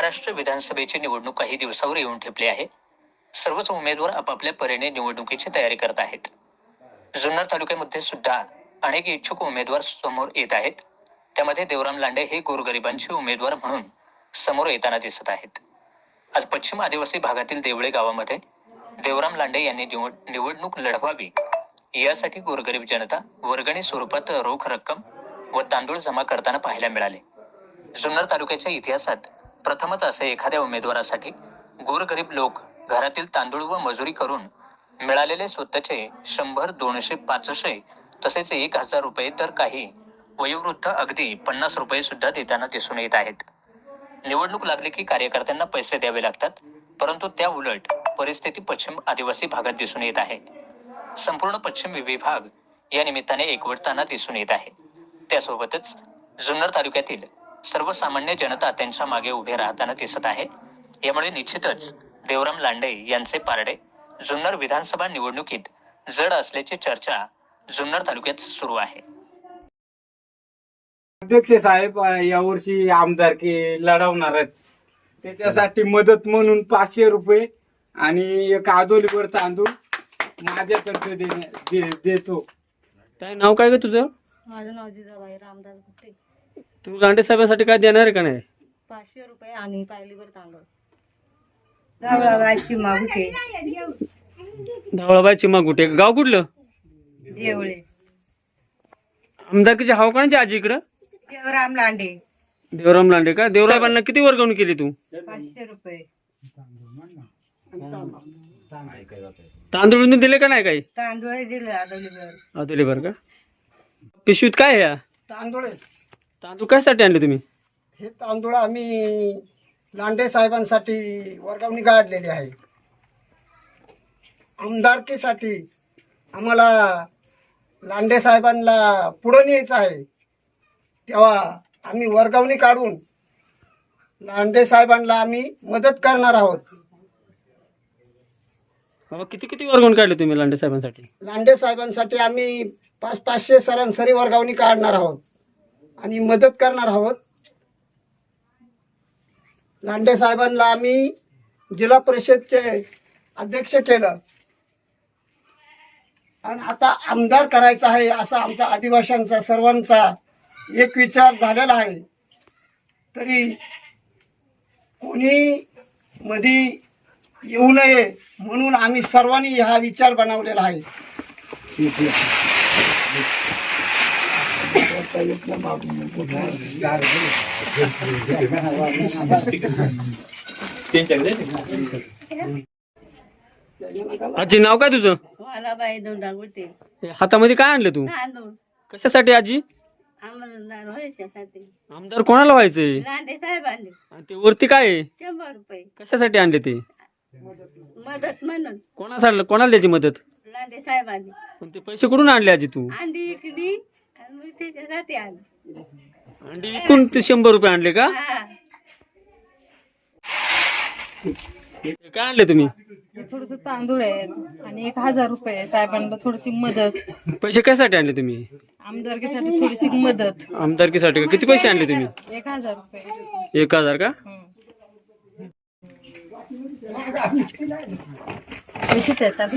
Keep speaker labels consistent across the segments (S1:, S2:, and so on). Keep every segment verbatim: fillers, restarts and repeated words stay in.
S1: महाराष्ट्र विधानसभेची निवडणूक काही दिवसावर येऊन ठेपली आहे. सर्वच उमेदवार आपापल्या परीने निवडणुकीची तयारी करत आहेत. जुन्नर तालुक्यामध्ये सुद्धा अनेक इच्छुक उमेदवार समोर येत आहेत. त्यामध्ये देवराम लांडे हे गोरगरिबांचे उमेदवार म्हणून समोर येताना दिसत आहेत. आज पश्चिम आदिवासी भागातील देवळे गावामध्ये देवराम लांडे यांनी निवडणूक लढवावी यासाठी गोरगरीब जनता वर्गणी स्वरूपात रोख रक्कम व तांदूळ जमा करताना पाहायला मिळाले. जुन्नर तालुक्याच्या इतिहासात प्रथमच असे एखाद्या उमेदवारासाठी गोरगरीब लोक घरातील तांदूळ व मजुरी करून मिळालेले स्वतःचे शंभर दोनशे पाचशे तसेच एक हजार रुपये तर काही वयोवृद्ध अगदी पन्नास रुपये सुद्धा देताना दिसून येत आहेत. निवडणूक लागली की कार्यकर्त्यांना पैसे द्यावे लागतात, परंतु त्या उलट परिस्थिती पश्चिम आदिवासी भागात दिसून येत आहे. संपूर्ण पश्चिम विभाग या निमित्ताने एकवटताना दिसून येत आहे. त्यासोबतच जुन्नर तालुक्यातील सर्वसामान्य जनता त्यांच्या मागे उभे राहताना दिसत आहे. यामुळे निश्चितच देवराम लांडे यांचे पारडे जुन्नर विधानसभा निवडणुकीत जड असल्याची चर्चा जुन्नर तालुक्यात सुरू आहे.
S2: अध्यक्ष साहेब यावर्षी आमदारकी लढवणार आहेत. त्याच्यासाठी मदत म्हणून पाचशे रुपये आणि एक आदोलीवर तांदूळ माझ्यातर्फे दे, देतो.
S3: काय नाव काय ग तुझं?
S4: माझं नाव जिजाबाई रामदास गुट्टे.
S3: तू लांडे साहेबांसाठी काय देणार आहे का नाही?
S4: पाचशे रुपये आणि पायलीवर तांदूळ. धावळाबाई चिमा गुट्टे.
S3: धावळाबाई चिमा गुटे. गाव कुठलं?
S4: देवळे.
S3: आमदारकीचे हाव कोणाची आजी इकडं?
S4: देवराम लांडे.
S3: देवराम लांडे का? देवराबांना किती वर्गवणूक केली तू?
S4: पाचशे रुपये.
S3: तांदूळ दिले का नाही काही?
S4: तांदूळ दिले आदोलीवर.
S3: आदोलीवर का? पिशवीत काय आहे?
S2: तांदूळ
S3: तांदूळ कशासाठी आणले तुम्ही?
S2: हे तांदूळ आम्ही लांडे साहेबांसाठी वर्गवणी काढलेली आहे. आमदारकीसाठी आम्हाला लांडे साहेबांना पुढे न्यायचं आहे, तेव्हा आम्ही वर्गवणी काढून लांडे साहेबांना आम्ही मदत करणार आहोत.
S3: बाबा किती किती वर्गवून काढले तुम्ही लांडे साहेबांसाठी?
S2: लांडे साहेबांसाठी आम्ही पाच पाचशे सरासरी वर्गवणी काढणार आहोत आणि मदत करणार आहोत. लांडे साहेबांना आम्ही जिल्हा परिषदचे अध्यक्ष केलं आणि आता आमदार करायचा आहे असा आमचा आदिवासींचा सर्वांचा एक विचार झालेला आहे. तरी कोणी मध्ये येऊ नये म्हणून आम्ही सर्वांनी हा विचार बनवलेला आहे.
S3: आजी नाव काय तुझं?
S4: वालाबाई दोंडा गुट्टे.
S3: हातामध्ये काय आणलं तू?
S4: तांदूळ
S3: कशासाठी आजी?
S4: आमदार व्हायच्यासाठी.
S3: आमदार कोणाला व्हायचंय?
S4: लांडे साहेबांनी.
S3: आणि ते वरती काय आहे?
S4: शंभर रुपये
S3: कशासाठी आणले ते?
S4: मदत म्हणून.
S3: कोणासाठी? कोणाला द्यायची मदत?
S4: लांडे साहेबांनी.
S3: पण ते पैसे कुठून आणले आजी तू?
S4: अंडी इकली आणि मग त्याच्यासाठी आली.
S3: अंडी विकून ते शंभर रुपये आणले का?
S4: हा.
S3: हे काय आणले तुम्ही?
S5: थोडस तांदूळ आहेत आणि एक हजार रुपये साहेबांना थोडीशी मदत.
S3: पैसे कशासाठी आणले तुम्ही?
S5: आमदारकीसाठी थोडीशी मदत.
S3: आमदारकीसाठी का? किती पैसे आणले तुम्ही?
S5: एक हजार रुपये.
S3: एक हजार का?
S5: पैसे देतात.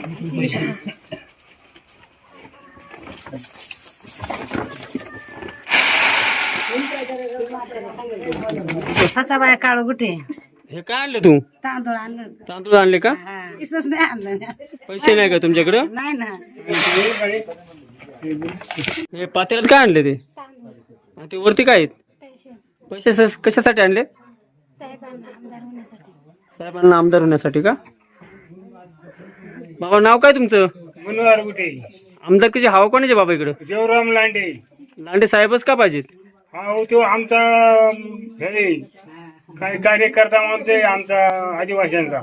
S4: फसाबाई काळू गुटे.
S3: हे काय आणले तू?
S4: तांदूळ आणलं.
S3: तांदूळ आणले का?
S4: इसच नाही आणलं.
S3: पैसे नाही का तुमच्याकडे?
S4: नाही ना.
S3: हे पातेल्यात काय आणले ते? आणि ते वरती काय आहेत? पैसे स- कशासाठी आणले? साहेबांना आमदार होण्यासाठी का? बाबा नाव काय तुमचं?
S6: मनोहर गुटे.
S3: आमदारकीचे हवा कोणाचे बाबा इकडं?
S6: देवराम लांडे.
S3: लांडे साहेबच का पाहिजेत?
S6: हा हो, तो आमचा हे काय कार्यकर्ता म्हणते आमचा आदिवासींचा.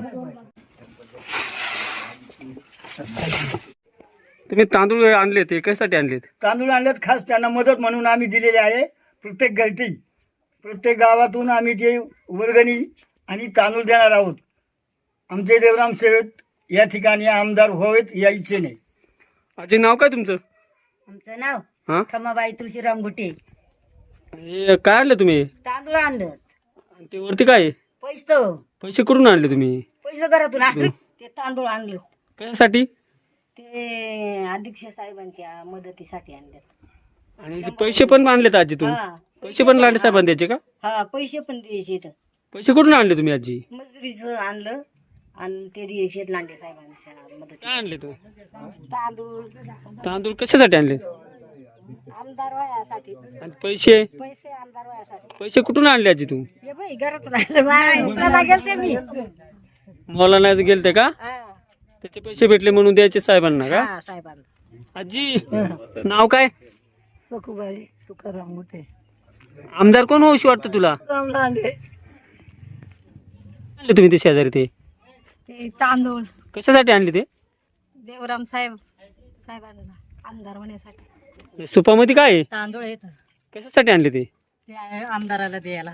S3: तुम्ही तांदूळ आणले ते कशासाठी आणलेत?
S7: तांदूळ आणल्यात खास त्यांना मदत म्हणून आम्ही दिलेले आहे. प्रत्येक गलती प्रत्येक गावातून आम्ही ते वर्गणी आणि तांदूळ देणार आहोत. आमचे देवराम शेठ या ठिकाणी आमदार व्हावेत या इच्छेने.
S3: आजी नाव काय तुमचं?
S4: आमचं नाव
S3: हा
S4: खमाबाई तुळशीराम गुटे.
S3: हे काय आणलं तुम्ही?
S4: तांदूळ आणलं.
S3: आणि ते वरती काय आहे?
S4: पैसे
S3: पैसे कुठून आणले तुम्ही?
S4: पैसे घरातून आणले ते तांदूळ आणले
S3: कशासाठी?
S4: ते अध्यक्ष साहेबांच्या मदतीसाठी आणले.
S3: आणि ते पैसे पण आणलेत आजी तुम्ही?
S4: हा
S3: पैसे पण लांडे साहेबांनी द्यायचे का?
S4: हा पैसे पण द्यायचे तर
S3: पैसे कुठून आणले तुम्ही आजी?
S4: मजुरीचं आणलं आणि ते द्यायचे लांडे साहेबांच्या मदती.
S3: काय आणले तू?
S4: तांदूळ
S3: तांदूळ कशासाठी आणले?
S4: आमदार वयासाठी
S3: आणि पैसे?
S4: पैसे आमदार वयासाठी.
S3: पैसे कुठून आणले आजी तू?
S4: हे बाई घरातून आणलं मला गेलते मी.
S3: मला नाही गेलते का?
S4: हा
S3: त्याचे पैसे भेटले म्हणून द्यायचे साहेबांना का?
S4: हा, साहेबांना.
S3: आजी नाव काय?
S4: सखूबाई तुकाराम मोठे.
S3: आमदार कोण होऊशी वाटतं तुला?
S4: राम लांडे.
S3: आणले तुम्ही ते शेजारी ते?
S5: ते तांदूळ
S3: कशासाठी आणले ते?
S5: देवराम साहेब साहेबांना आमदार होण्यासाठी
S3: सुपामध्ये काय आहे?
S5: तांदूळ येत
S3: कशासाठी आणले ते?
S5: ते आहे आमदाराला द्यायला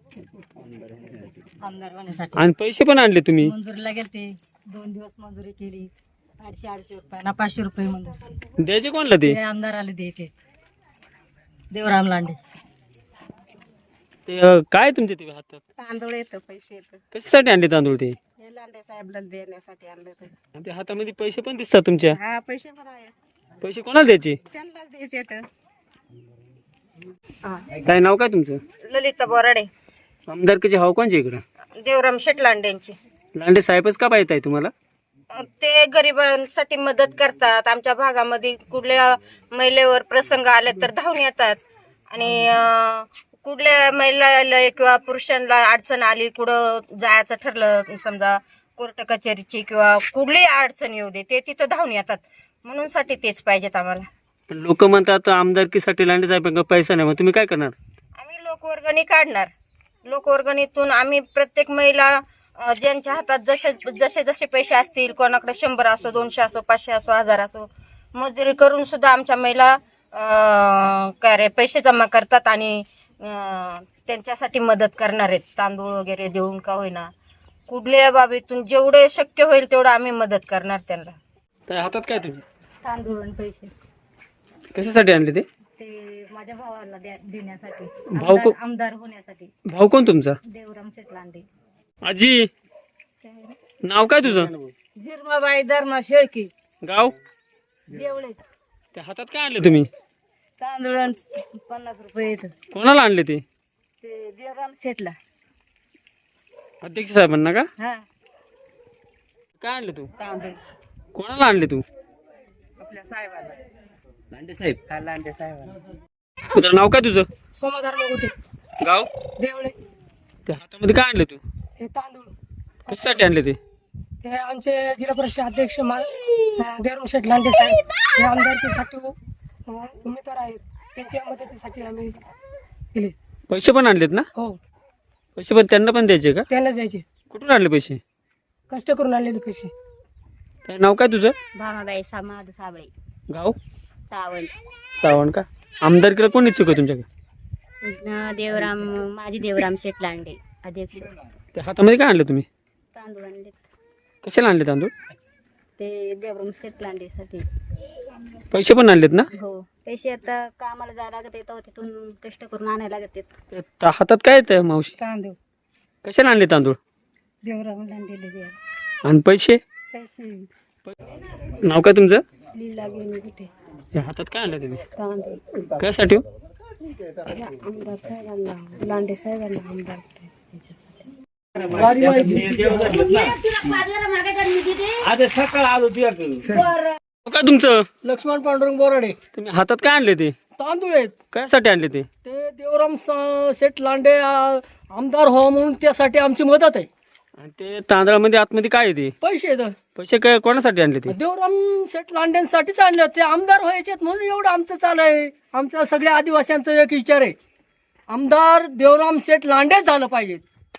S5: आमदार होण्यासाठी.
S3: आणि पैसे पण आणले तुम्ही?
S5: मंजुरीला गेलते दोन दिवस मंजुरी केली आठशे आठशे रुपये ना पाचशे रुपये मंजुरी.
S3: द्यायचे कोणला ते?
S5: ते आमदाराला द्यायचे देवराम लांडे.
S3: ते अं, काय तुमचे ते हातात?
S4: तांदूळ येतं पैसे येतं
S3: कशासाठी आणले तांदूळ ते?
S4: हे लांडे साहेबला देण्यासाठी आणलं ते.
S3: आणि ते हातामध्ये पैसे पण दिसतात तुमच्या.
S4: हा पैसे पण आहे
S3: पैसे कोणाला द्यायचे?
S4: त्यांनाच द्यायचे तर.
S3: काय नाव काय तुमचं?
S4: ललिता बोराडे.
S3: आमदारकीचे हाव कोणचे इकडं?
S4: देवराम शेट लांडेंची.
S3: लांडे साहेबच का पाहिजे आहे तुम्हाला?
S4: ते गरिबांसाठी मदत करतात. आमच्या भागामध्ये कुठल्या महिलेवर प्रसंग आले तर धावून येतात आणि अं, कुठल्या महिलाला किंवा पुरुषांना अडचण आली कुठं जायचं ठरलं समजा कोर्ट कचेरीची किंवा कुठलीही अडचण येऊ दे ते तिथं धावून येतात म्हणून साठी तेच पाहिजेत आम्हाला.
S3: लोक म्हणतात आमदारकीसाठी लांडे साहेबांना पैसा नाही, मग तुम्ही काय करणार?
S4: आम्ही लोकवर्गणी काढणार. लोकवर्गणीतून आम्ही प्रत्येक महिला अं, ज्यांच्या हातात जसे जसे जसे पैसे असतील कोणाकडे शंभर असो दोनशे असो पाचशे असो हजार असो मजुरी करून सुद्धा आमच्या महिला अं, काय रे पैसे जमा करतात आणि अं, त्यांच्यासाठी मदत करणार आहेत. तांदूळ वगैरे देऊन का होईना कुठल्या बाबीतून जेवढे शक्य होईल तेवढं आम्ही मदत करणार त्यांना.
S3: तर हातात काय तुझे?
S5: तांदूळ आणि पैसे
S3: कशासाठी आणले ते?
S5: ते माझ्या भावाला द्या- देण्यासाठी
S3: भाऊ को-
S5: आमदार- आमदार होण्यासाठी.
S3: भाऊ कोण तुमचा?
S5: देवराम शेट लांडे.
S3: आजी नाव काय तुझं?
S4: झिरमाबाई धर्मा शेळकी
S3: गाव?
S4: देवळे.
S3: त्या हातात काय आणले तुम्ही?
S4: तांदूळ पन्नास रुपये येतं
S3: कोणाला आणले ते?
S4: ते देवराम शेटला.
S3: अध्यक्ष साहेबांना का?
S4: हा
S3: काय आणले तू?
S4: तांदूळ
S3: कोणाला आणले तू?
S4: आपल्या साहेबाला.
S3: लांडे साहेब.
S4: हा लांडे साहेबाला.
S3: तुझं नाव काय तुझं?
S4: सोमाधार मोठे
S3: गाव?
S4: देवळे.
S3: त्या हातामध्ये काय आणले तू?
S4: हे तांदूळ
S3: कशासाठी आणले ते?
S4: हे आमचे जिल्हा परिषद अध्यक्ष मा- अं, देवराम शेठ लांडे साहेब हे आमदारकीसाठी अं, उमेदवार आहेत. त्यांच्या मदतीसाठी आम्ही केले.
S3: पैसे पण आणलेत ना?
S4: हो
S3: पैसे पण त्यांना पण द्यायचे का?
S4: त्यांना द्यायचे.
S3: कुठून आणले पैसे?
S4: कष्ट करून आणलेले पैसे.
S3: काय नाव काय तुझं?
S5: भामाबाई समाधू साबळे.
S3: गाव?
S5: सावंत.
S3: सावण का? आमदारकीला कोण इच्छुक आहे तुमच्याकडे?
S5: देवराम माझी देवराम शेट लांडे अध्यक्ष.
S3: त्या हातामध्ये काय आणलं तुम्ही?
S5: तांदूळ आणले
S3: कशाला आणले तांदूळ?
S5: ते देवराम शेट लांडेसाठी.
S3: पैसे पण आणलेत ना?
S5: हो पैसे आता कामाला जायला लागत येतं तिथून कष्ट करून आणायला लागत येत.
S3: त्या हातात काय येतं मावशी?
S4: तांदूळ
S3: कशाला आणले तांदूळ?
S4: देवराम लांडेले द्या
S3: आणि पैसे?
S4: पैसे.
S3: नाव काय तुमचं?
S5: लीला घेऊन कुठे
S3: या हातात काय आणलं तुम्ही?
S5: तांदूळ
S3: कशासाठी हो?
S5: आमदार साहेबांना लांडे साहेबांना आमदार
S3: नाव काय तुमचं?
S4: लक्ष्मण पांडुरंग बोराडे.
S3: तुम्ही हातात काय आणले ते?
S4: तांदूळ आहेत
S3: कशासाठी आणले ते?
S4: ते देवराम स- शेठ लांडे अं, आमदार व्हावं म्हणून त्यासाठी आमची मदत आहे.
S3: आणि ते तांदळामध्ये आतमध्ये काय आहे ते?
S4: पैसे आहेत.
S3: पैसे काय कोणासाठी आणले ते?
S4: देवराम शेठ लांडेंसाठीच आणले ते आमदार व्हायचे म्हणून एवढं आमचं चालू आहे. आमच्या सगळ्या आदिवासींचा एक विचार आहे आमदार देवराम शेठ लांडेच झालं पाहिजे.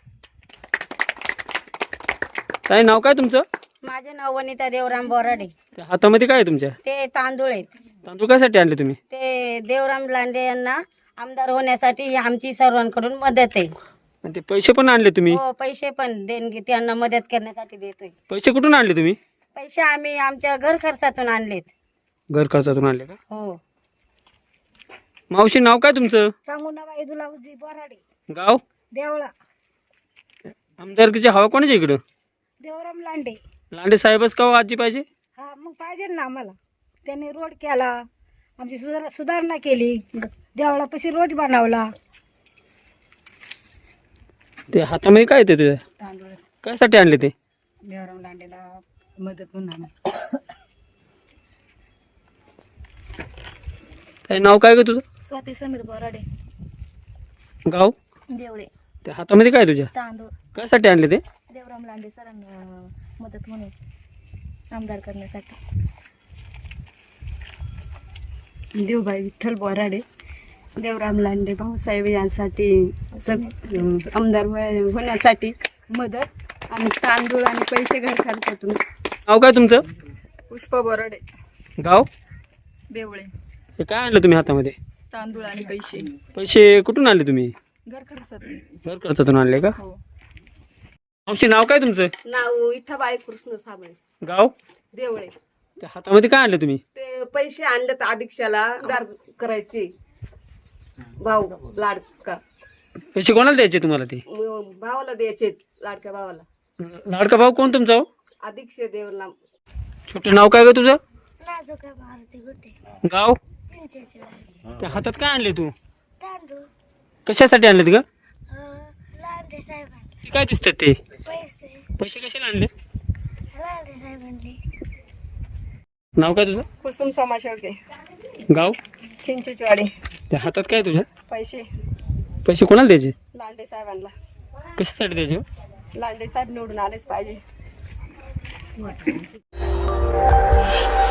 S3: काय नाव काय तुमचं?
S8: माझे नाव वनिता देवराम बोराडे.
S3: त्या हातामध्ये काय आहे तुमच्या?
S8: ते तांदूळ आहेत.
S3: तांदूळ कशासाठी आणले तुम्ही?
S8: ते देवराम लांडे यांना आमदार होण्यासाठी आमची सर्वांकडून मदत आहे.
S3: आणि ते पैसे पण आणले तुम्ही?
S8: हो पैसे पण देणगी त्यांना मदत करण्यासाठी देतोय.
S3: पैसे कुठून आणले तुम्ही?
S8: पैसे आम्ही आमच्या घर खर्चातून आणलेत.
S3: घर खर्चातून आणले का?
S8: हो.
S3: मावशी नाव काय तुमचं?
S8: सांगू ना बाई तुला बोराडे.
S3: गाव?
S8: देवळा.
S3: आमदारकीची हवा कोणाच्या इकडं?
S5: देवराम लांडे.
S3: लांडे साहेबच का हो आजी पाहिजे?
S5: हा मग पाहिजे ना आम्हाला. त्यांनी रोड केला, आमची सुधार सुधारणा केली, देवळापाशी रोड बनवला.
S3: ते हातामध्ये काय ते तुझ्या
S5: तांदूळ
S3: कायसाठी आणले ते?
S5: देवराम लांडेला मदत म्हणून.
S3: काय नाव काय ग तुझं?
S5: स्वाती समीर बोराडे.
S3: गाव?
S5: देवळे.
S3: ते हातामध्ये काय तुझ्या
S5: तांदूळ
S3: कायसाठी आणले ते?
S5: देवराम लांडे सरांना मदत म्हणून, आमदार करण्यासाठी.
S9: देवबाई विठ्ठल बोराडे. देवराम लांडे भाऊसाहेब यांसाठी सग आमदार होय- होण्यासाठी मदत आणि तांदूळ आणि पैसे घर खर्चातून.
S3: नाव काय तुमचं?
S9: पुष्पा बोराडे.
S3: गाव?
S9: देवळे.
S3: हे काय आणलं तुम्ही हातामध्ये?
S9: तांदूळ आणि पैसे
S3: पैसे कुठून आणले तुम्ही?
S9: घर खर्चातून.
S3: घर खर्चातून आणले का?
S9: हो.
S3: मावशी नाव काय तुमचं?
S8: नाव इठाबाई कृष्ण साबळे.
S3: गाव?
S8: देवळे.
S3: त्या हातामध्ये काय आणले तुम्ही?
S8: ते पैसे आणले तर अधीक्षाला दार करायचे. भाऊ लाडका
S3: पैसे कोणाला द्यायचे तुम्हाला ते?
S8: म- भावाला द्यायचे, लाडक्या भावाला.
S3: लाडका भाऊ कोण तुमचा हो?
S8: अधीक्ष देवला.
S3: छोटे नाव काय ग तुझं? गाव? त्या हातात काय आणले तू? कशासाठी आणलेत ग? ते काय दिसतात ते? पैसे कशाला आणले? नाव काय तुझं?
S9: कुसुम समाशेळके.
S3: गाव?
S9: चिंचेचवाडी.
S3: त्या हातात काय तुझ्या?
S9: पैसे
S3: पैसे कोणाला द्यायचे?
S9: लांडे साहेबांना.
S3: कशासाठी द्यायचे हो?
S9: लांडे साहेब निवडून आलेच पाहिजे.